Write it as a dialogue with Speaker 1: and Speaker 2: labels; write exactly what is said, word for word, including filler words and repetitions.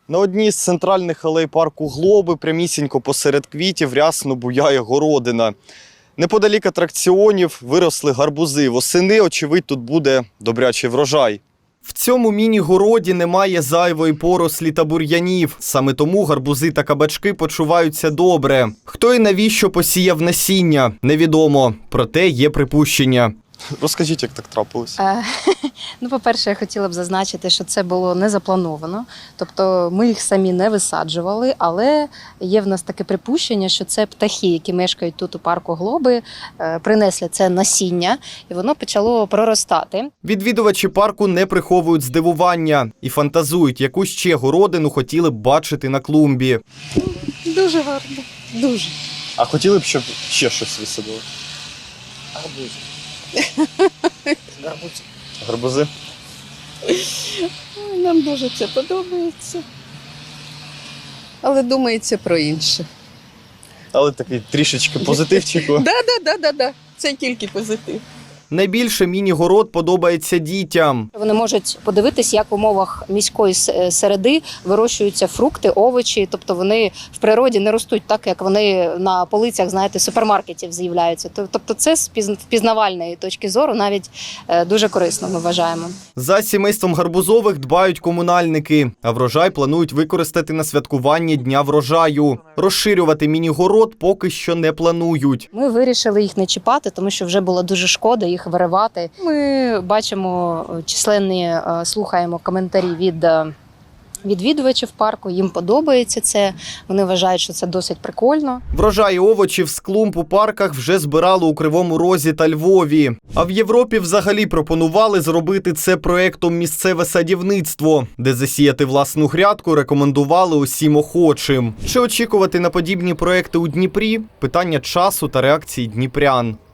Speaker 1: На одній з центральних алей парку Глоби прямісінько посеред квітів рясно буяє городина. Неподалік атракціонів виросли гарбузи. Восени, очевидь, тут буде добрячий врожай. В цьому міні-городі немає зайвої порослі та бур'янів. Саме тому гарбузи та кабачки почуваються добре. Хто і навіщо посіяв насіння – невідомо. Проте є припущення. Розкажіть, як так трапилось?
Speaker 2: Е, ну, по-перше, я хотіла б зазначити, що це було не заплановано. Тобто ми їх самі не висаджували, але є в нас таке припущення, що це птахи, які мешкають тут у парку Глоби, е, принесли це насіння, і воно почало проростати.
Speaker 1: Відвідувачі парку не приховують здивування і фантазують, яку ще городину хотіли б бачити на клумбі.
Speaker 2: Дуже гарно, дуже.
Speaker 1: А хотіли б, щоб ще щось висадили?
Speaker 3: Гарбуз. Гарбуз.
Speaker 1: Гарбузи?
Speaker 4: Ой, нам дуже це подобається. Але думається про інше.
Speaker 1: Але такий трішечки позитивчику.
Speaker 4: Да, да, да, да, да. Це тільки позитив.
Speaker 1: Найбільше міні-город подобається дітям.
Speaker 2: Вони можуть подивитись, як в умовах міської середи вирощуються фрукти, овочі. Тобто вони в природі не ростуть так, як вони на полицях, знаєте, супермаркетів з'являються. Тобто це з впізнавальної точки зору навіть дуже корисно, ми вважаємо.
Speaker 1: За сімейством гарбузових дбають комунальники, а врожай планують використати на святкуванні Дня врожаю. Розширювати міні-город поки що не планують.
Speaker 2: Ми вирішили їх не чіпати, тому що вже було дуже шкода їх виривати. Ми бачимо численні, слухаємо коментарі від відвідувачів парку, їм подобається це, вони вважають, що це досить прикольно.
Speaker 1: Врожай овочів з клумб у парках вже збирали у Кривому Розі та Львові. А в Європі взагалі пропонували зробити це проєктом «Місцеве садівництво», де засіяти власну грядку рекомендували усім охочим. Чи очікувати на подібні проєкти у Дніпрі? Питання часу та реакції дніпрян.